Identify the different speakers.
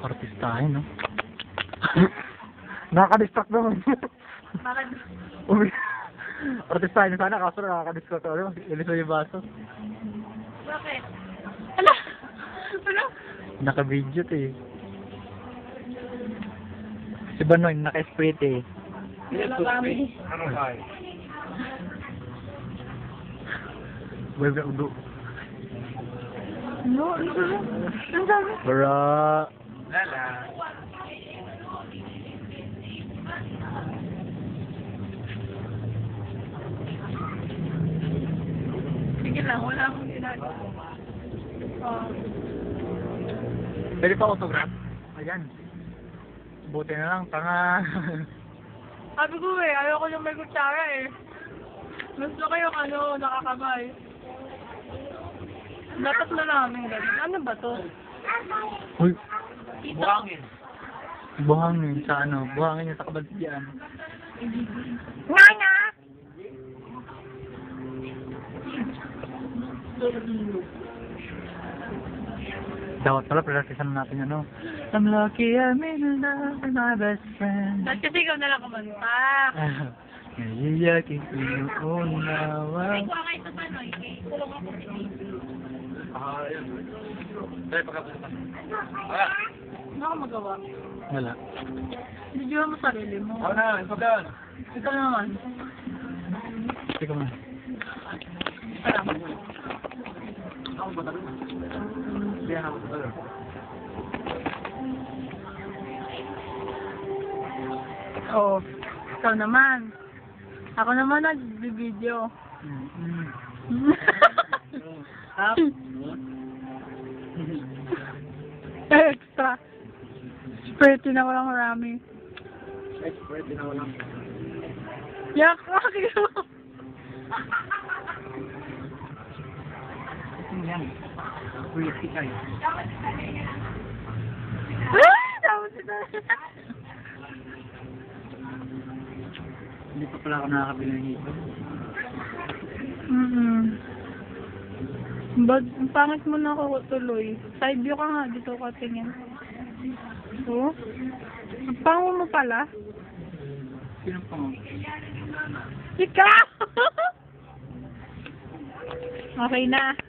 Speaker 1: Artistahin, no? Nakaka-distract naman.
Speaker 2: Bakit?
Speaker 1: Artistahin sana, kaso nakaka-distract ako. Ilis mo yung baso.
Speaker 2: Bakit? Ala! Ano?
Speaker 1: Naka-video to eh. Si Banoy, naka-spray eh.
Speaker 2: Wala kami.
Speaker 3: Ano kaya?
Speaker 1: Wala udo.
Speaker 2: No, ano ba? Ang dami.
Speaker 1: Para...
Speaker 3: Lala.
Speaker 2: Sige lang, wala akong ginagawa. Oh.
Speaker 1: Pwede pa autograph? Ayan. Buti na lang, tanga.
Speaker 2: Sabi ko eh, ayoko yung may kutsara eh. Gusto ko yung ano, nakakabay. Dapat na namin ganun. Ano ba to?
Speaker 1: Uy,
Speaker 3: Buhangin.
Speaker 1: buhangin sa ano? Buhangin yung sa kabaligyan.
Speaker 2: Nana!
Speaker 1: Dapat pala, practicean natin ano. I'm lucky I'm in love with my best friend.
Speaker 2: Ba't kasi ikaw nalang kumanta?
Speaker 1: Naiyakin ko yung unawa.
Speaker 2: Kuha kayo sa Panoy.
Speaker 3: Yun. Dahil pagkapunta. Wala.
Speaker 2: Ano ka magawa?
Speaker 1: Wala.
Speaker 2: Video mo sarili mo.
Speaker 3: Ako na, ito doon.
Speaker 2: Ikaw naman.
Speaker 1: Sige mo na.
Speaker 2: Salamat.
Speaker 3: Ako ba tayo? Hindi ako ba tayo?
Speaker 2: Oo. Ikaw naman. Ako naman nag-video. Extra. Pretty na walang marami.
Speaker 3: Expert din ako lang.
Speaker 2: Yak! Bakit mo?
Speaker 1: Ito yan. Pretty kayo.
Speaker 2: Ah! Dapat ito.
Speaker 1: Hindi pa pala ako nakakabili ng hito.
Speaker 2: Ba't ang pangit mo na ako tuloy? Side view ka nga, dito ka tingin. Oh? Ang pango mo pala?
Speaker 1: Sino pa mo?
Speaker 2: Ikaw! Okay na.